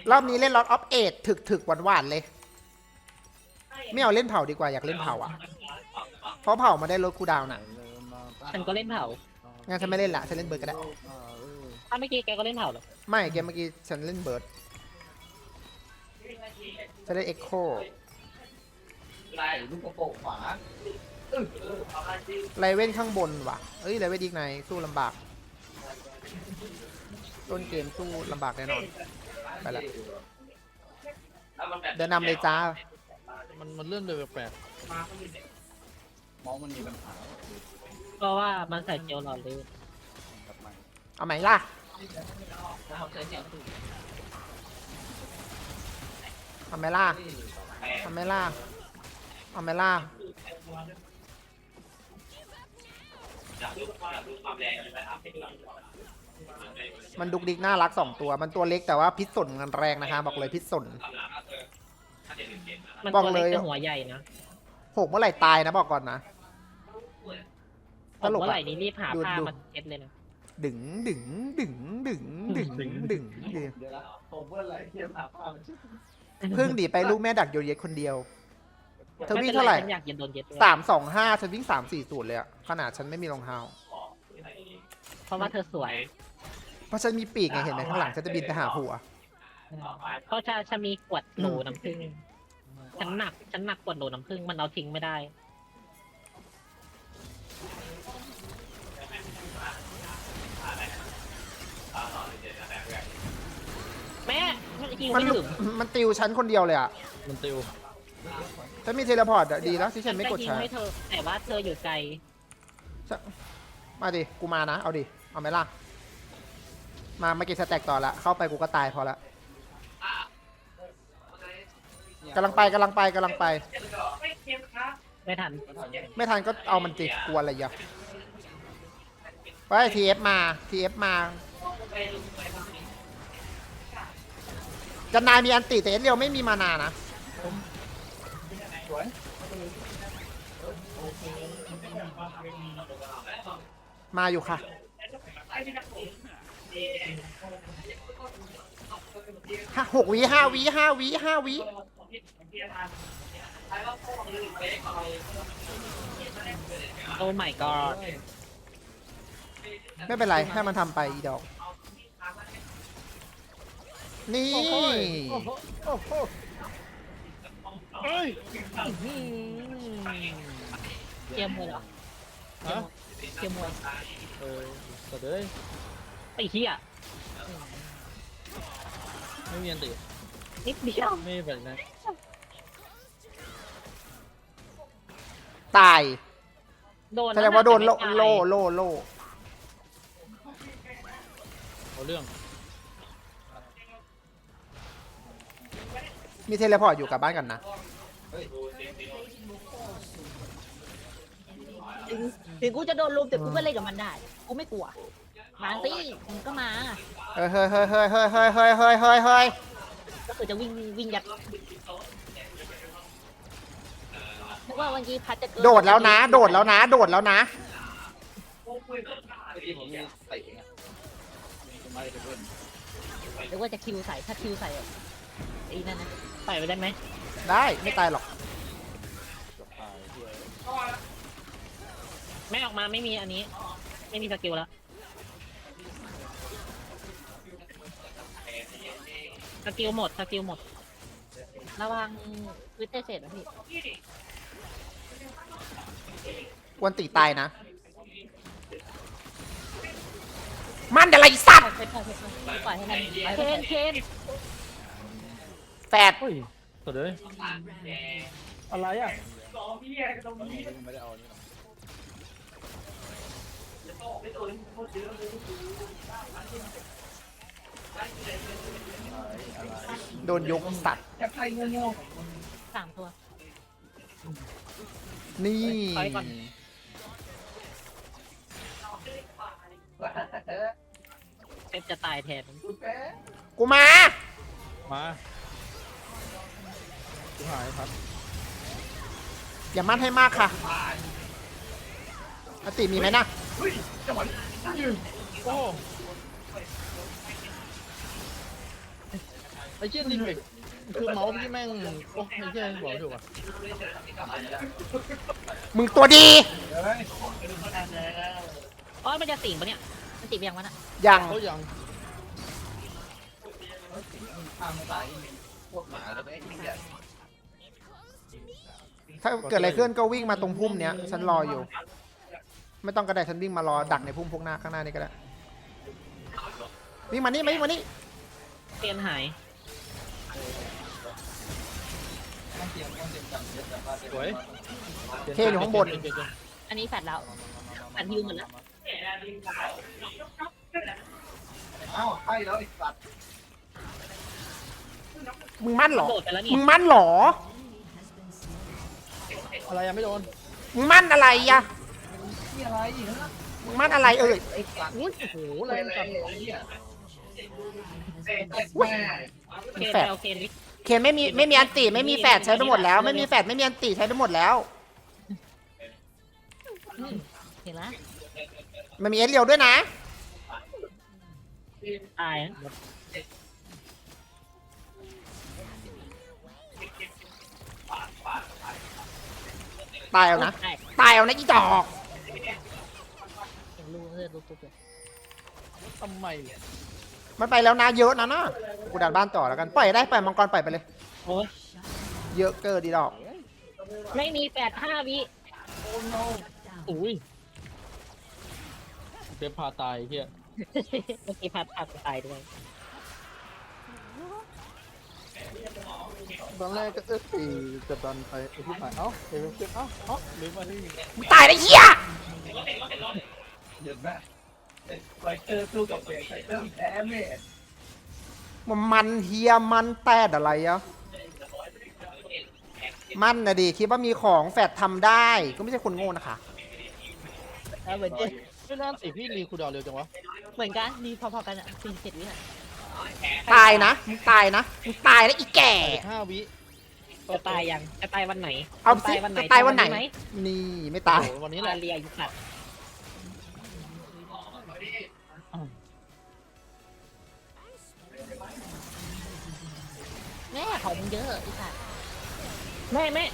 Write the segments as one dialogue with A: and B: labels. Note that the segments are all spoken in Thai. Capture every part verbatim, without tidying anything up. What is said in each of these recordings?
A: รอบนี้เล่นล็อตออฟเอทถึกถึกหวานหวานเลย ไม่เอาเล่นเผาดีกว่าอยากเล่นเผาอ่ะเพราะเผามาได้ลดคูลดาวน์น่ะ
B: ฉันก็เล่นเผา
A: งั้นฉันไม่เล่นละฉันเล่นเบิร์ดก็ได้
B: ถ้าเมื่อกี้แกก็เล่นเผาเหรอ
A: ไม่เกมเมื่อกี้ฉันเล่นเบิร์ดฉันเล่นเอ็กโค
C: ลูกกระโปงขวา
A: ไลเว่นข้างบนว่ะเอ้ยไลเว่นอีกในสู้ลำบากต้นเกมสู้ลำบากแน่นอนไปละเดินนำเลยจ้า
D: มันมันเลื่อนเลยแปลก
C: มองมันมีปัญหา
B: เพราะว่ามันใส่เจลหล่อลื่น
C: แบบใหม่
A: เอาไหมล่ะ
B: เขาใส่เจล
A: เอาไหมล่ะเอาไหมล่ะเอาไหมล่ะมันดุกดิกน่ารักสองตัวมันตัวเล็กแต่ว่าพิษสนมันแรงนะคะบอกเลยพิษสน
B: มัน
A: บอก
B: ตัว
A: เล
B: เล็ก
A: ย
B: แต่หัวใหญ่นะ
A: หกเมื่อไหร่ตายนะบอกก่อนนะ
B: ตกเมื่อไหร่นี้รีบหาผ้ามาเช็ดเลยนะ
A: ดึงดึงดึงดึงดึงดึงดึง
C: เดี๋ยวนะผมเมื่อไหร่เทียมหาผ้ามันชื่อ
A: เพิ่งหนีไปลูกแม่ดักโยนเย็ดคนเดียว เธอวิ่ง
B: ม่ป็น
A: เท่าไหร่
B: ฉันอยากเย็นโดนเย็ดด้วย
A: สามสองห้าฉันวิ่งสามสี่ศูนย์เลยอะขนาดฉันไม่มีรองเท้า
B: เพราะว่าเธอสวย
A: เพราะฉันมีปีกไงเห็นไหมข้างหลังฉันจะบินไปหาหัว
B: เพราะฉันฉันมีขวดโหลน้ำผึ้งฉันหนักฉันหนักขวดโหลน้ำผึ้งมันเอาทิ้งไม่ได้แม่ยิง
A: มัน
B: ไม่ถึง
A: มันติวฉันคนเดียวเลยอะ
D: มันติว
A: ฉันมีเทเลพอร์ตอะดีแล้วที่ฉันไม่กด
B: ยิง
A: ใช้
B: ให้เธอแต่ว่าเธออยู่ไกล
A: มาดิกูมานะเอาดิเอาไหมล่ะมามาเก็บสแต็กต่อละเข้าไปกูก็ตายพอละกำลังไปกำลังไปกำลังไป
B: ไม่ทัน
A: ไม่ทันก็เอามันจิกลัวอะไรอย่าไปทีเอฟมาทีเอฟมาจันนายมีอันติแต่เอสเรียวไม่มีมานานะ
C: สวย
A: มาอยู่ค่ะห้าหกวิห้าวิห้าวิห้าวิ
B: โอ้ my god
A: ไม่เป็นไรให้มันทำไปอีดอกนี่
D: โอ้โหโอ้โหเฮ้ย
B: เกียร์มวยเหรอ
D: ฮะ
B: เกียร์มวย
D: เออแต่เด้ย
B: ไอ้เหี้ย
D: ไม่มีอันติ
B: นิดเดียว
D: ไม่มีแบบนั้น
A: ตาย
B: โดน
A: แสดงว่าโดนโลโลโลโล
D: เอาเรื่อง
A: มีเทเลพอร์ตอยู่กลับบ้านกันนะ
E: ถึงถึงกูจะโดนลุมแต่กูก็เล่นกับมันได้ กูไม่กลัว มาสิมันก็มา
A: เฮ้ยเฮ้ยเฮ้ยเฮ้ยเฮ้ยเฮ้ยเฮ้ยเฮ้ยเฮ้ยเฮ้ย
E: ก็คือจะวิ่งวิ่งยัดนึกว่าวันนี้พัดจะเกิน
A: โดดแล้วนะ โดดแล้วนะ โดดแล้วนะ
C: เมื่อกี้ผมมีเตะไงไม่ได้เพื่อน
E: นึกว่าจะคิวใส่ถ้าคิวใส่ไอ้นั่นนะ
B: ใส่ไปได้ไหม
A: ได้ไม่ตายหรอก
C: เกือบตายเพื่อน
B: ไม่ออกมาไม่มีอันนี้ ไม่มีสกิลแล้วสกิลหมดสกิลหมด
E: ระวังวิทเตเศษนะพี่
A: กวนตีตายนะ มันอะไรสัตว์
E: ปล่อยปล่อยปล่อยปล่อยให้มันเคนเคน
A: แปด
D: เฮ้ยแต่เด้ยอะไรอ่ะ
C: ไม่ได้เอาอันนี้หรอก
A: โดนยกสัตว์
E: สามตัว
A: นี่
B: ถอยก่อน เซฟจะตายแทน
A: กูมา
D: มาชิบหายครับ
A: อย่ามั่นให้มากค่ะอติมีไหมนะ
D: โอ้ไอ้เชี่ยนี่แบบคือเมาส์พี่แม่งโอ้ไอ้เชี่ยบอกไม่ถูกอ่ะ
A: มึงตัวดี
E: อ๋อมันจะสิงปะเนี่ยมันติดไปยังวะน่ะ
A: ยัง
D: เขายัง
C: ทางสายพวกหมาแล้วไอ้เนี่ย
A: ถ้าเกิดอะไรขึ้นก็วิ่งมาตรงพุ่มเนี้ยฉันรออยู่ ไม่ต้องกระไดฉันวิ่งมารอดักในพุ่มพวกหน้าข้างหน้านี่ก็ได้วิ่งมานี่มานี่มานี่
B: เทียนหาย
C: ต้องเตรียมต้องเตรียมกันเยอะแต่ว่า
D: สวย
A: เคอยู่ข้างบน
E: อันนี้แฟดแล้วแฟดฮิวหมดแล้ว
C: เอ้าให้แล้วไอ้สัตว์
A: มึงมั่นเหรอ
B: โดดไปแล้วนี่
A: มึงมั่นเหรอ
D: อะไรยังไม่โดน
A: มึงมั่นอะไรอะ
C: นี่อะไรฮะ
A: มึงมั่นอะไรเอ่ย
C: ไอ้สัตว์
D: อุ้ยโอ้โหแร
C: แรง
D: งจั
C: จั
D: ง
C: งไอ้เนี่ยแม่
B: เคนไปเอาเคนวิ
A: เคนไม่มีไม่มีอันติไม่มีแฟดใช้ไปหมดแล้ว ไม่มีแฟดไม่มีอันติใช้ไปหมดแล้ว
E: อืมเห็นแล้ว
A: มันมีเอสเรียวด้วยนะ
B: ตายนะ
A: ตายเอานะ
E: แตก
A: ตายเอานะอีจอก
E: เห็นรูเลือดรูตุ๊บเลย
D: ทำไม
A: มันไปแล้วนะเยอะนะนะกูดันบ้านต่อแล้วกันปล่อยได้ปล่อยมังกรปล่อยไปเลย
B: โอ้ย
A: เยอะเกินดีดอก
B: ไม่มีแปดห้าวิ
D: อุ้ยเจ็บพาตายเฮีย
B: เมื่อกี้พัดพัดตายด้วย
D: ตอนแรกก็เอ๊ะจะดันไปไอ้ที่ผ่านเอ้าเอ้ยเจ็บเอ้าเอ้าลืมมาที่
A: มึงตายได้เหี้ย
C: เห็นไหมไฟเตอร์สู้กับเบรกไฟเตอร์แพ้แม่
A: มันมันเฮียมันแตดอะไรอะมันนะดิคิดว่ามีของแฟดทำได้ก็ไม่ใช่คนโง่นะคะ
E: แล้วเหมือนกัน
D: ไม่น่าสิพี่รีคูลดาวน์เร็วจังวะ
E: เหมือนกันมีพอๆกันอ่ะสี่เจ็ดวิอ่ะ
A: ตายนะมึงตายนะมึงตายแล้วอีแก่
D: ห้าวิ
B: จะตายยังจะตายวันไหน
A: เอา
B: จะ
A: สิ
B: ตายวันไหน
A: จะตายวันไหน
B: จำม
A: นี่ไม่ตาย
D: โอ้โหวันนี้แห
B: ลา
D: ละ
B: เรียยุขัด
E: แม่ของมึงเยอะไอ้สัส
B: แม่แม่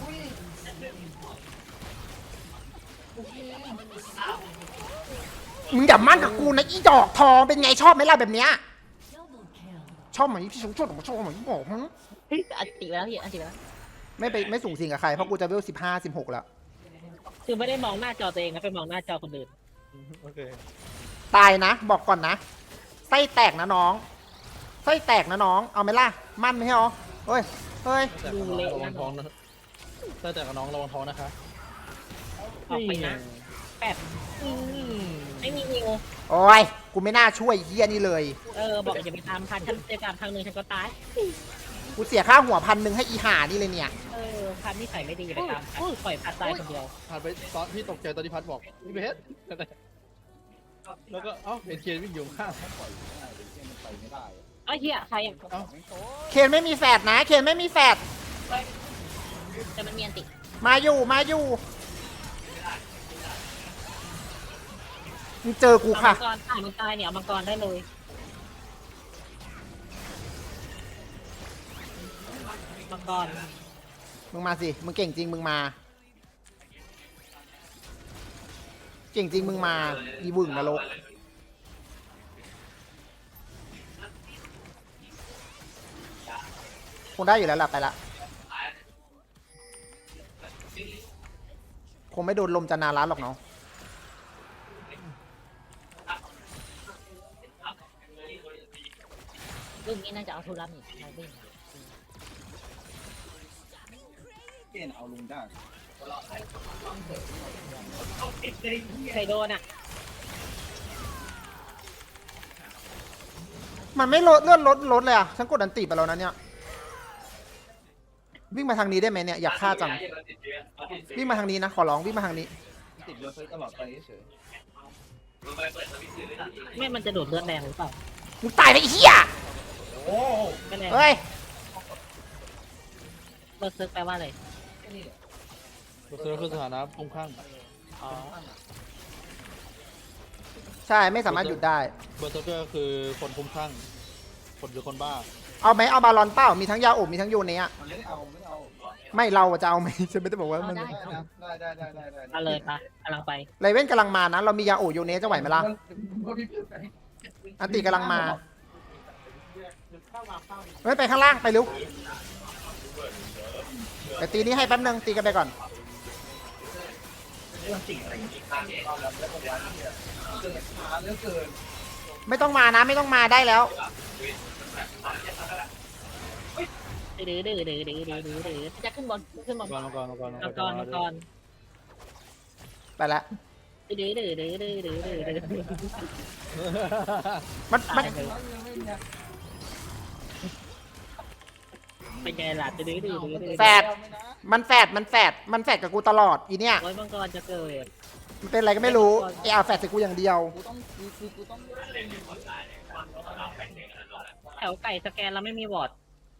A: มึงอย่ามั่นกับกูนะอีดอกทองเป็นไงชอบไหมล่ะแบบเนี้ยชอบไหมพี่ชงชอบผมชอบไหมบอกมึง
E: อันติไปแล้วพี่อันติไปแล้ว
A: ไม่ไปไม่สูงสิงกับใครเพราะกูจะเวลสิบห้าสิบหกแล้ว
B: คือไม่ได้มองหน้าจอตัวเองนะไปมองหน้าจอคนอื่น
D: โอเค
A: ตายนะ บอกก่อนนะไส้แตกนะน้องไส้แตกนะน้องเอาไหมล่ะมั่นไหมเหรอเฮ้ยเฮ้ย
D: แต่กับน้องระวังท้องนะแต่แต่กับน้องระวังท้องนะคะ
B: ออกไปนะแปด
D: อืม
B: ไม่มีนิว
A: โอ้ยกูไม่น่าช่วยเฮียนี่เลย
B: เออบอกอย่าไปตามพันฉันเจอตามทางหนึ่งฉันก็ตาย
A: กูเสียค่าหัวพันหนึ่งให้อีห่านี่เลยเนี่ย
B: เออพันที่ใส่ไม่ดีอย่าไปตามพันปล่อยพัดตายคนเดียว
D: ผ่านไปตอนพี่ตกใจตอนที่พัดบอกพี่เบสแล้วก็เอ้าเห็นเคียนวิ่งอยู่ข้าง
C: ปล่อยง่ายเลยที่มันไปไม่ได้
B: เอ้ยเฮียใครอ่ะ
D: เอ้า
A: เคนไม่มีแฟดนะเคนไม่มีแฟด
E: แต่มันมีอันติ
A: มาอยู่มาอยู่มึงเจอกู
B: เอา
A: ค่ะ
B: มังกรตายมันตายเนี่ยเอามังกรได้เลยมังกร
A: มึงมาสิมึงเก่งจริงมึงมา เก่งจริงมึงมาอีบึ่งนรกคงได้อยู่แล้วล่ะไปละคงไม่โดนลมจะนาร้านหรอกเนาะ
E: รุ่นนี้น่าจะเอาทุลัมอีกมาวิ่ง
C: เกณฑ์เอาลุงได้
B: ใครโดนอ่ะ
A: มันไม่ลดเลื่อนลดลดเลยอ่ะฉันกดอันติไปแล้วนะเนี่ยวิ่งมาทางนี้ได้ไหมเนี่ยอยากฆ่าจังวิ่งมาทางนี้นะขอร้องวิ่งมาทางนี้
C: ติดเรือเฟ้ตลอดไปเฉย
B: แม่มันจะโดดเลือดแรงหรือเปล่า
A: มึงตายไปไอ้เหี้ย
C: โอ้
B: ไม่แรง
A: เฮ้ย
B: เลิกซึกแปลว่าอะไร
D: ตัวเซอร์คือสถานะพุ่งข้าง
B: อ๋อ
A: ใช่ไม่สามารถหยุดได้
D: เบอร์เซอร์เกอร์คือคนคุ้มข้างคนหรือคนบ้า
A: เอาไหมเอาบาลอนเป้ามีทั้งยาโอบมีทั้งโยเนะ
C: มันไม่เอาไม่เอา
A: ไม่เราจะเอาไหม ฉันไม่ได้บอกว่า
E: เอา
A: มัน
E: ได้
C: ได้ได้ได้ได้ได้
B: เอาเลยปะกำลังไป
A: ไรเว้นกำลังมานะเรามียาโอบโยเนะจะไหวไหมล่ะ
C: ก็พี่เพื่อนไป
A: อันติกำลังมาไม่ไปข้างล่างไปเร็วไปตีนี้ให้แป๊บนึงตีกันไปก่อน
C: เรื่องจริงอะไรอย่างงี้เอาแล้วแล้วก็วันนี้เกิดช้าเหลือเกิน
A: ไม่ต้องมานะไม่ต้องมาได้แล้ว
B: ดื้อดื้อดื้อดื้อดื้อดื้อดื้อดื้อ
E: จะขึ้นบนขึ้นบน
D: ก่อนก่อนก่อน
B: มังกรมังกร
A: ไปละ
B: ดื้อดื้อดื้อดื้อดื้อดื้อดื้อดื้อ
A: มันมัน
B: เป็นไงล่ะดื้อดื้อดื้อดื้อ
A: แฟดมันแฟดมันแฟดมันแฟดกับกูตลอดอีเนี่ย
B: โอ้ยมังกรจะเกิด
A: มันเป็นอะไรก็ไม่รู้ไอ้อาแฟดใส่กูอย่างเดียว
E: กูต้องกูกูกูต้อง
B: แถวไก่สแกนแล้วไม่มีบอร์ด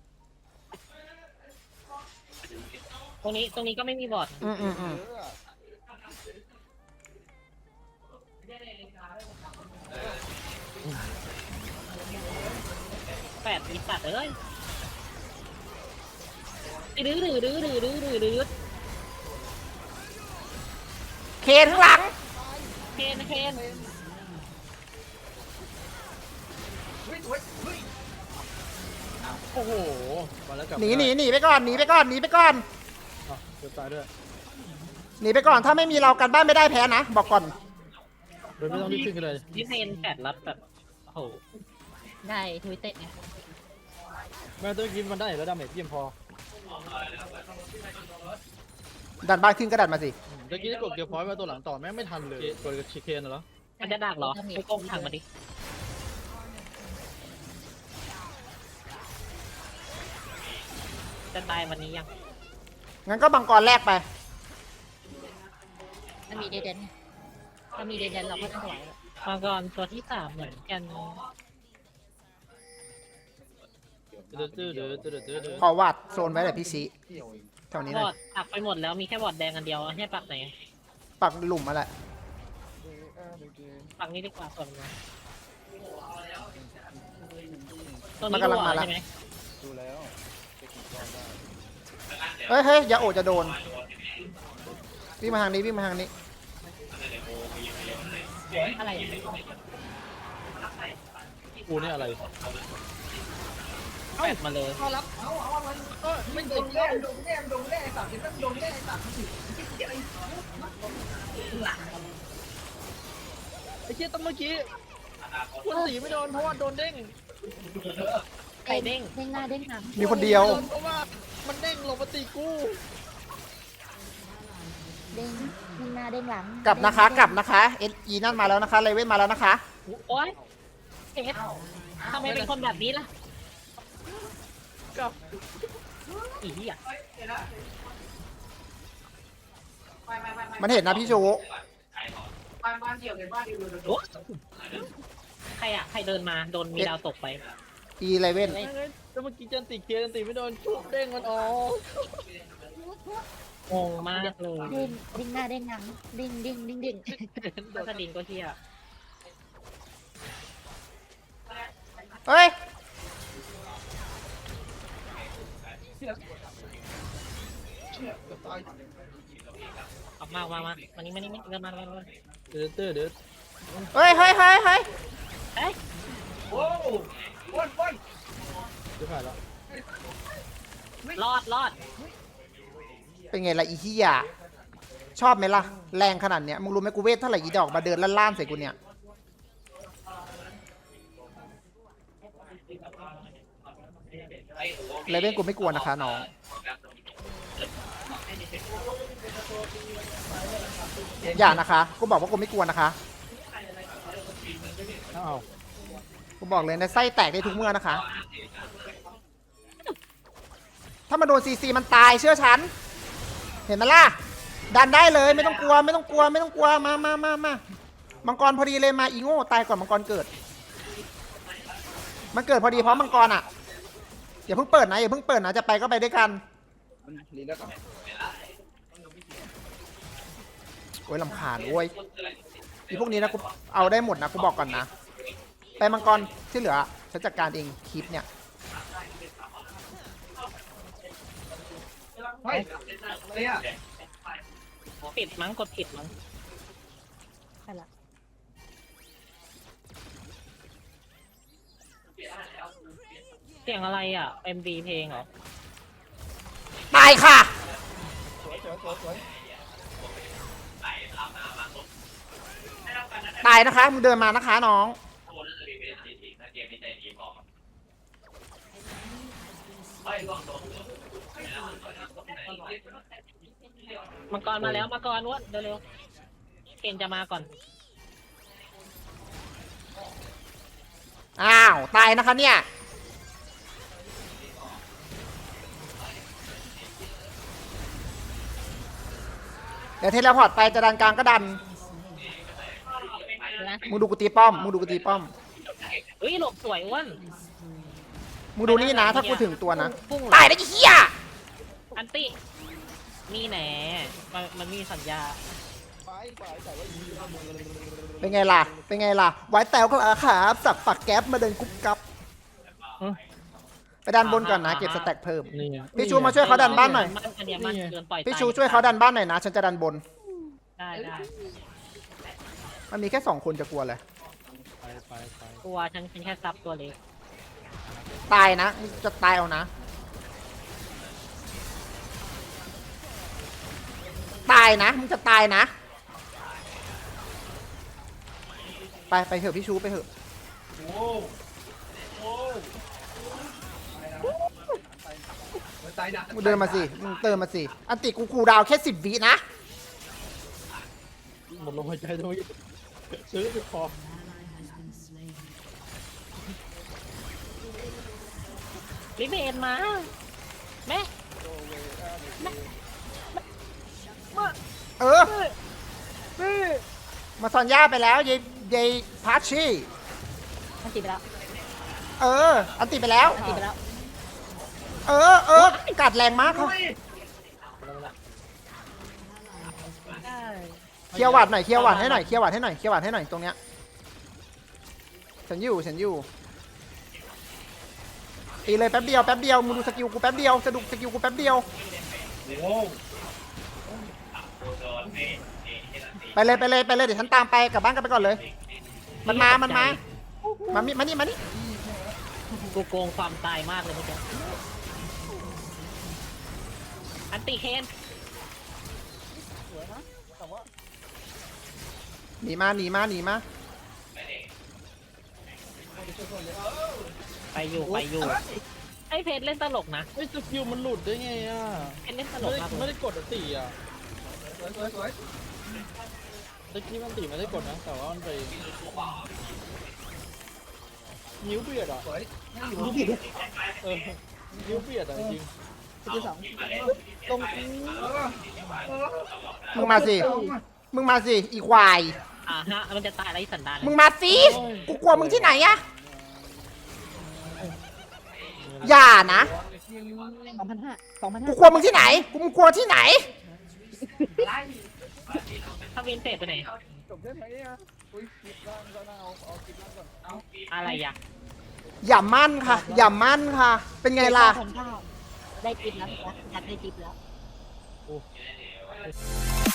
B: ตรงนี้ตรงนี้ก็ไม่มีบอร์ด
A: อืมอืมอืม
B: แปดมีสัตว์เอ้ยดื้อดื้อดื้อดื้อดื้อดื้อดื้อ
A: เคนข้างหลัง
B: เคนเคน
C: เฮ้ยเฮ้ยเฮ้ย
D: โอ้โหมาแล้วกลับ
A: หนีหนีหนีไปก่อนหนีไปก่อนหนีไปก่อน
D: อ่ะเกือบตายด้วย
A: หนีไปก่อนถ้าไม่มีเรากันบ้านไม่ได้แพ้นะบอกก่อน
D: โดยไม่ต้องรีบขึ้นกันเลย
B: นี่เทนแปดรับแบบโอ้โห
E: ได้ทวิตเต็ดไง
D: แม่ต้องกินมันได้แล้วดาเมจเพียงพอ
A: ดันบ้านขึ้นก็ดันมาสิ
D: เมื่อกี้กดเกียร์พอยต์มาตัวหลังต่อแม่งไม่ทันเลยกดกับชิเคนเหรอ
B: มันจะดักเหรอไปก้มทางมาดิจะตายวันนี้ยัง
A: งั้นก็บังกรแรกไป
E: ถ้ามีเดเดนถ้ามีเดเดนเราก็ต้องไหว
B: มังกรตัวที่สามเหมือนกัน
D: ตื้อตื้อตื้อตื้อตื้อตื้อ
A: ขอวาดโซนไว้เลยพี่ซี
C: เกี่ยวอีก
A: แถวนี้
B: บ
A: เล
B: อย ร์ดปักไปหมดแล้วมีแค่บอร์ดแดงอันเดียวให้ปักไหน
A: ปักหลุมมาแหละ
B: ปักนี้ดีกว่าส่วนมันตัว
A: มัน
B: นี้
A: กำลังมา
B: รั
A: แล้ว
B: ใช่ไหม
C: ดูแล้ว
A: เฮ้ยเฮ้ยอย่าโอดจะโดนวิ่งมาทางนี้วิ่งมาทางนี้
E: อะไรอ่ะ
D: กูนี่อะไร
B: แปดมาเลย
C: เอารับเอาเอาอะไรเออไม่โดนแน่โดนแน่โดนแน่สามสิบต้องโดนแน่สามสิบอะไร
D: ไอ้เชี่ยตั้งเมื่อกี้คุณสีไม่โดนเพราะว่าโดนเด้ง
B: ไข่เด้ง
E: เด้งหน้าเด้งหลัง
A: มีคนเดียว
D: เพราะว่ามันเด้งลงมาตีกู
E: เด้งเด้งหน้าเด้งหลัง
A: กลับนะคะกลับนะคะเออีนั่นมาแล้วนะคะเลเว่นมาแล้วนะคะ
B: โอ๊ยเอ็ดทำไมเป็นคนแบบนี้ล่ะ
D: กับ
B: อีเหี้ย
A: มันเห็นนะพี่ชู
B: โอ๊ยใครอะใครเดินมาโดนมีดาวตกไป
A: อีเลเว่น
D: แล้วเมื่อกี้จันติเคียจันติไม่โดนชุบเด้งมันออก
B: งงมากเลย
E: เด้งเด้งหน้าเด้งหลังเด้งเด้งเด้งเด้ง
B: พัสดินก็เที่ย
A: เฮ้ย
B: ออกมาออกมามาวันนี้มานี่มาเดินมาเดินมา
D: เดือดเดือดเดือด
A: เฮ้ยเฮ้ยเฮ้ยเฮ้ย
B: เอ้ย
C: โอ้วนวน
D: จะผ่านแล้ว
B: รอดรอด
A: เป็นไงล่ะอีที่ยาชอบไหมล่ะแรงขนาดเนี้ยมึงรู้ไหมกูเวทเท่าไหร่อีดอกมาเดินล่านๆใส่กูเนี่ยเลเว่นกูไม่กลัวนะคะน้องอย่านะคะกูบอกว่ากูไม่กลัวนะคะ
D: อ้าว
A: กูบอกเลยนะไส้แตกได้ทุกเมื่อนะคะ ถ้ามาโดนซีซีมันตายเชื่อฉัน เห็นไหมล่ะ ดันได้เลยไม่ต้องกลัวไม่ต้องกลัวไม่ต้องกลัวมามามามามังกรพอดีเลยมาอีโง่ตายก่อนมังกรเกิด มันเกิดพอดีเพราะมังกรอ่ะอย่าเพิ่งเปิดนะอย่าเพิ่งเปิดนะจะไปก็ไปด้วยกัน
C: มันรีแล้วก่อน
A: โอ้ยลำคาญโอ้ยอีพวกนี้นะกูเอาได้หมดนะกูบอกก่อนนะไปมังกรที่เหลือฉันจัดการเองคลิปเนี่ย
C: เฮ้ยอะไรอ่ะ
B: ปิดมั้งกดผิดมั้ง
E: ใช่ละ
B: เสียงอะไรอ่ะ เอ็ม วี เพลงเหรอ
A: ตายค่ะ
C: สวยสวยสวยสวย
A: ตายนะคะมึงเดินมานะคะน้อง
B: มังกรมาแล้วมังกรอ้วนเร็วๆเคนจะมาก่อน
A: อ้าวตายนะคะเนี่ยเดี๋ยวเทเลพอร์ตไปจะดันกลางก็ดัน
B: นะ
A: มึงดูกูตีป้อมมึงดูกูตีป้อม
B: เฮ้ยหลบสวยอ้วน
A: มึงดูนี่นะ ถ้ากูถึงตัวนะ
B: พุ่ง
A: ตายได้กี่เหี้ย
B: อันตินี่แหนมันมันมีสัญญา
D: ไปไปแต่ว่ายิง
A: เป็นไงล่ะเป็นไงล่ะไว้แตวก็อาขาสับปักแก๊ปมาเดินกุ๊บกับ ไปดันบนก่อนนะเก็บสแต็กเพิ่ม
D: นี่ไง
A: พี่ชูมาช่วยเขาดันบ้านหน่อย
B: มัอันเนี้ยมันเกินปล่อย
A: พี่ชูช่วยเขาดันบ้านหน่อยนะฉันจะดันบน
B: ได้ได้
A: มันมีแค่สองคนจะกลัวเลย
D: ไปไปไป
B: ตัวฉันเป็นแค่ซับตัวเล็ก
A: ตายนะมึงจะตายเอานะ ตายนะมึงจะตายนะ ไปไปเถอะพี่ชูไปเถอะ
C: โอ้โอ้ตายนะ
A: มึงเดินมาสิมึงเติมมาสิอันติกูคูลดาวน์แค่สิบวินะ
D: หมดลมหายใจตรงนี้ซื้อไปพอ
B: ลิเบนมาแม่
A: เออมาซอนย่าไปแล้วยายยายพาร์ชี่
E: มันติดไปแล้ว
A: เออ อันติไปแล้ว
E: มันติดไปแล้ว
A: เออเออกัดแรงมากค่ะเคลียร์หวัดหน่อยเคลียร์หวัดให้หน่อยเคลียร์หวัดให้หน่อยเคลียร์หวัดให้หน่อยตรงเนี้ยฉันอยู่ฉันอยู่ตีเลยแป๊บเดียวแป๊บเดียวมึงดูสกิลกูแป๊บเดียวสะดุกสกิลกูแป๊บเดียว
C: โอ้
A: ไปเลยไปเลยไปเลยเดี๋ยวฉันตามไปกลับบ้านกันไปก่อนเลย มันมามันมามานี่มานี่มานี่
B: กูโกงความตายมากเลยเมื่อกี้อันติเคน
A: หนีมาหนีมาหนีมา
B: ไปอยู่ไปอยู่ไอเพจเล่นตลกนะ
D: ไอ้สกิลมันหลุดได้ไงอ่ะ
B: เพจเล่นตล
D: ไม่
B: ก
D: ได้
B: มาก
D: ไม่
B: เลย
D: ได้กดอันตีอ่ะ
C: สวยสวยสวย
D: ตะกี้มันตีไม่ได้กดนะแต่ว่ามันไปนิ้วเบียดอ่ะ
C: สวย
D: เออนิ้วเบียดอ่ะจริง
E: สกิลสองลง
A: มึงมาสิมึงมาสิอีควาย
B: อ่าฮะมันจะตายอะไรสันดาน
A: มึงมาสิกูกลัวมึงที่ไหนอะอย่านะ
E: สองพันห้าสองพัน
A: กู
E: ห้าก
A: ลัวมึงที่ไหนกูมึงกลัวที่ไหน
B: ถ้าวินเฟสไปไหน
D: จบได้ไหมอ่ะอุ้ยคิดล่างก็น่าเอาเอาคิดล่างก่อนเอา
B: อะไรอ่ะ
A: อย่ามั่นค่ะ อย่ามั่นค่ะ เป็นไงล่ะ
E: พันเก้าได้ทิปแล้วนะได้ทิปแล้ว